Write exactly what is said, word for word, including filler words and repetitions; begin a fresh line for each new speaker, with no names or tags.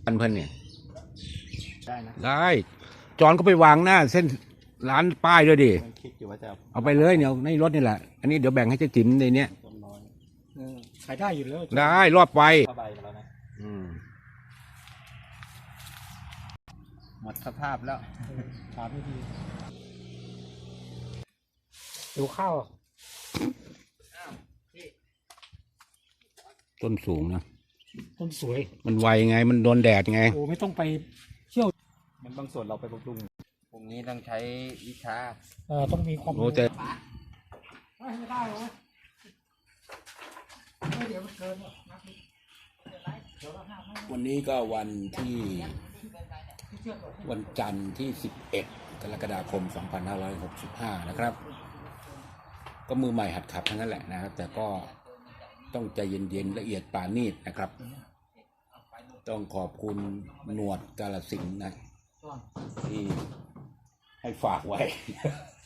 อันเพิ่นเนี่ย
ได้นะ
ได้จอนก็ไปวางหน้าเส้นร้านป้ายด้วยดิ
คิดอยู่ว่าจะ
เอาไปเลยเนี่ยในรถนี่แหละอันนี้เดี๋ยวแบ่งให้เจ๊จิ๋มในเนี้ย
ขายได้อยู่แล้ว
ได้รอบไป
ผ้าใบมาแล้วนะ
อืม
หมดสภาพแล้ว
ถามไม่ดีดูข้าว
ต้นสูงนะ
ต้นสวย
มันไวไงมันโดนแดดไง
โอ้ไม่ต้องไปเที่ยว
มันบางส่วนเราไปบำรุงพรุ่งนี้ต้องใช้วิชา
เออต้องมีความ
รู้แต่
ไม่ได้หรอเดี๋ยวมันเกิน
วันนี้ก็วันที่วันจันทร์ที่สิบเอ็ดกรกฎาคมสองพันห้าร้อยหกสิบห้านะครับก็มือใหม่หัดขับทั้งนั้นแหละนะครับแต่ก็ต้องใจเย็นๆละเอียดปราณีตนะครับต้องขอบคุณหนวดกาฬสินธุ์นะที่ให้ฝากไว้